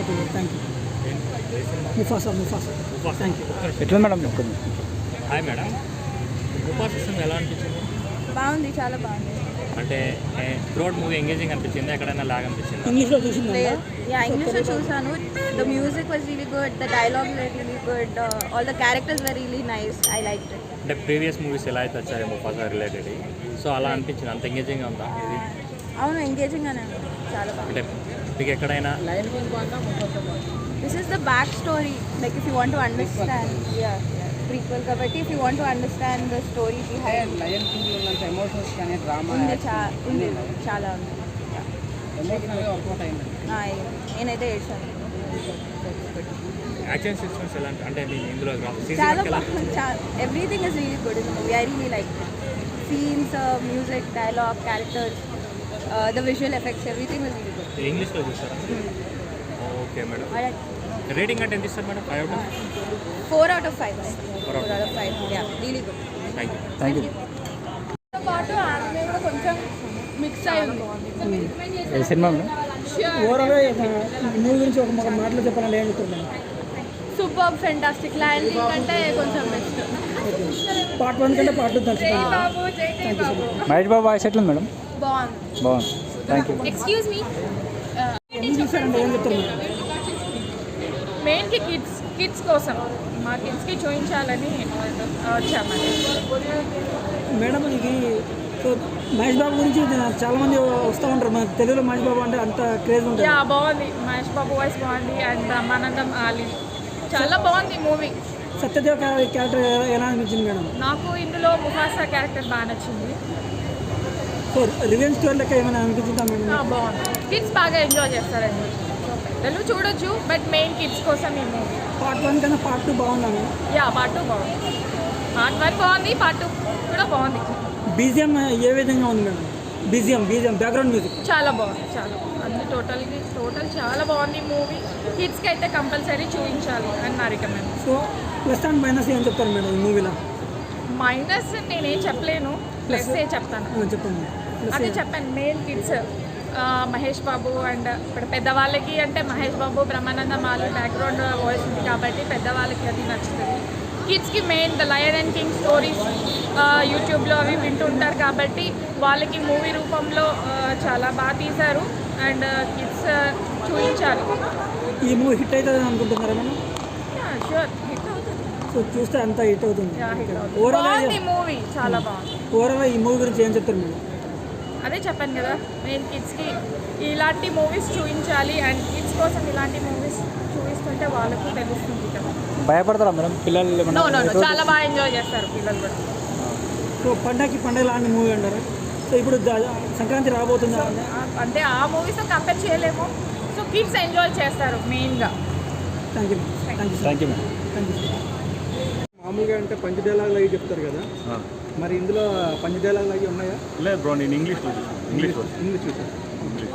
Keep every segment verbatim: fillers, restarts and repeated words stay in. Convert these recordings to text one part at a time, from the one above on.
Okay thank you. Mufasa Mufasa thank you. ఎట్లా madam? Hi madam, Mufasa cinema ఎలా అనిపించింది? బాగుంది, చాలా బాగుంది. అంటే త్రూఅవుట్ మూవీ ఎంగేజింగ్ అనిపించింది, ఎక్కడైనా లాగ్ అనిపించింది? ఇంగ్లీష్లో చూసిందా? యా ఇంగ్లీష్లో చూసాను. The music was really good, the dialogues were really good, all the characters were really nice. I like it. అంటే ప్రీవియస్ మూవీస్ ఎలా అయితే వచ్చాయి ముఫాసా రిలేటెడ్, సో అలా అనిపించింది? అంత ఎంగేజింగ్గా ఉందా ఇది? అవును, ఎంగేజింగ్గానే ఉంది, చాలా బాగుంది. అంటే మీకు ఎక్కడైనా this is the back story, like if you want to understand. Yeah prequel కాబట్టి if you want to understand the story behind lion king ఉన్నంత ఎమోషన్స్ కానీ డ్రామా ఉంది, చా- ఉంది చాలా ఉంది. ఎమోషనల్గా వర్కౌట్ అయింది. ఆ, నేనైతే ఏడ్చాను. యాక్షన్ సిస్టమ్స్ ఎలా అంటే అంటే మీ ఇందులో చాలా బాగుంది. Everything is really good in the movie. I really like scenes, music, dialogue, characters, the visual effects, everything is really good. ఇంగ్లీష్లో చూస్తారా? Okay madam. రేటింగ్ అంటే ఎంత ఇస్తారు madam? Five out of four out of five four out of five yeah really good. Thank you. Thank you. పాటు ఆమె కూడా కొంచెం mix అయి ఉంది. ఏ సినిమా మేడం? ఓవరాల్గా మూవీ గురించి ఒక ఒక మాటలో చెప్పాలంటే ఏం చెప్తున్నాను? Super fantastic. లయన్ కింగ్ అంటే కొంచెం బెస్ట్. పార్ట్ వన్ కంటే పార్ట్ టూ తలుచుకోండి. మహేష్ బాబు వాయిస్ ఎట్లా మేడం? బాగుంది. బాగుంది, థ్యాంక్ యూ. ఎక్స్క్యూజ్ మీ, ఎందుకు చూసారంటే ఏం చెప్తున్నారు? మెయిన్కి కిడ్స్ కిడ్స్ కోసం మా కిడ్స్కి చూపించాలని వచ్చామండి. మేడం ఇది సో మహేష్ బాబు గురించి చాలా మంది వస్తూ ఉంటారు. మన తెలుగులో మహేష్ బాబు అంటే అంత క్రేజ్ ఉంటుంది. యా బాగుంది, మహేష్ బాబు వాయిస్ బాగుంది అండ్ బ్రహ్మానందం ఆలి చాలా బాగుంది మూవీ. సత్యదేవ్ క్యారెక్టర్ ఎలా అనిపించింది మేడం? నాకు ఇందులో ముఫాసా క్యారెక్టర్ బాగా నచ్చింది. సో రివెంజ్ స్టోరీ లెక్క ఏమైనా అనిపించిందా మేడం? ఆ, బాగుంది. కిడ్స్ బాగా ఎంజాయ్ చేస్తారండి. పెద్దలు చూడొచ్చు, బట్ మెయిన్ కిడ్స్ కోసం ఈ మూవీ. పార్ట్ వన్ కన్నా పార్ట్ టూ బాగున్నాను. యా పార్ట్ టూ బాగుంది. పార్ట్ వన్ బాగుంది, పార్ట్ టూ కూడా బాగుంది. బీజిఎం ఏ విధంగా ఉంది madam? BGM BGM background music చాలా బాగుంది, చాలా అన్ని టోటల్గా టోటల్ చాలా బాగుంది మూవీ. కిడ్స్కి అయితే కంపల్సరీ చూపించాలి అని నా recommend. So plus and minus ఏం చెప్తారు మేడం ఈ మూవీలో? మైనస్ నేనేం చెప్పలేను, ప్లస్ ఏ చెప్తాను. చెప్పండి. అదే చెప్పాను, main kids Mahesh Babu and ఇప్పుడు పెద్దవాళ్ళకి అంటే మహేష్ బాబు, బ్రహ్మానందం ఆలి బ్యాక్గ్రౌండ్ వాయిస్ ఉంది కాబట్టి పెద్దవాళ్ళకి అది నచ్చుతుంది. కిడ్స్కి main the lion and king stories యూట్యూబ్లో అవి వింటుంటారు కాబట్టి వాళ్ళకి మూవీ రూపంలో చాలా బాగా తీశారు అండ్ కిడ్స్ చూపించాలి. ఈ మూవీ హిట్ అవుతుంది అనుకుంటున్నారా మేడం? షూర్ హిట్ అవుతుంది. సో చూస్తే అంత హిట్ అవుతుంది. బాగుంది మూవీ, చాలా బాగుంది. ఓవరాల్ ఈ మూవీ గురించి ఏం చెప్తారు మేడం? అదే చెప్పాను కదా, మెయిన్ కిడ్స్కి ఇలాంటి మూవీస్ చూపించాలి అండ్ కిడ్స్ కోసం ఇలాంటి మూవీస్ చూపిస్తుంటే వాళ్ళకు తెలుస్తుంది కదా. భయపడతారా మేడం పిల్లలు? నో నో నో చాలా బాగా ఎంజాయ్ చేస్తారు పిల్లలు కూడా. సో పండగకి పండగ లాంటి మూవీ అంటారు. సో ఇప్పుడు సంక్రాంతి రాబోతుందా? అంటే ఆ మూవీస్తో కంపేర్ చేయలేము. సో కిడ్స్ ఎంజాయ్ చేస్తారు మెయిన్గా. Thank you thank you thank you madam. Thank you. మామూలుగా అంటే పంచ డైలాగులు అవి చెప్తారు కదా, మరి ఇందులో పంచ డైలాగులు అవి ఉన్నాయా? లేదు బ్రో, నేను ఇంగ్లీష్లో చూసాను. ఇంగ్లీష్ ఇంగ్లీష్ చూసాను. ఇంగ్లీష్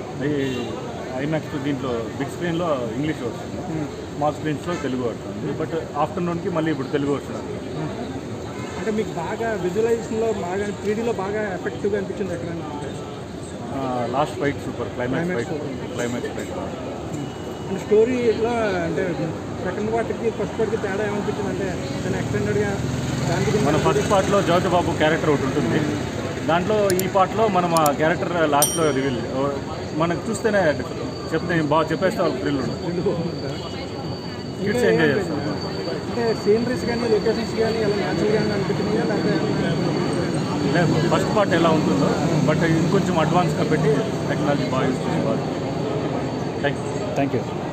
ఐమాక్స్ దీంట్లో బిగ్ స్క్రీన్లో ఇంగ్లీష్ వస్తుంది, స్మాల్ స్క్రీన్స్లో తెలుగు వస్తుంది. బట్ ఆఫ్టర్నూన్కి మళ్ళీ ఇప్పుడు తెలుగు వస్తుంది. అంటే మీకు బాగా విజువలైజేషన్లో బాగా త్రీడీలో బాగా ఎఫెక్టివ్గా అనిపించింది ఎక్కడైనా? Last fight super, climax fight climax fight అంటే స్టోరీలో అంటే సెకండ్ పార్ట్కి ఫస్ట్ పార్ట్కి తేడా ఏమనిపించింది? అంటే దాన్ని ఎక్స్టెండెడ్గా దానికి మన ఫస్ట్ పార్ట్లో జ్యోతి బాబు క్యారెక్టర్ ఒకటి ఉంటుంది, దాంట్లో ఈ పార్ట్లో మనం ఆ క్యారెక్టర్ లాస్ట్లో రివీల్ మనకు చూస్తేనే చెప్తే బాగా చెప్పేస్తే వాళ్ళకి థ్రిల్ ఉంటుంది, కిడ్స్ ఎంజాయ్ చేస్తారు. అంటే సీనరీస్ కానీ లొకేషన్స్ కానీ ఎలా న్యాచురల్గా అనిపించినాయా లేకపోతే? లేదు, ఫస్ట్ పార్ట్ ఎలా ఉంటుందో బట్ ఇంకొంచెం అడ్వాన్స్గా పెట్టి టెక్నాలజీ బాగా యూస్ చేసి వాళ్ళు. Thank you thank you.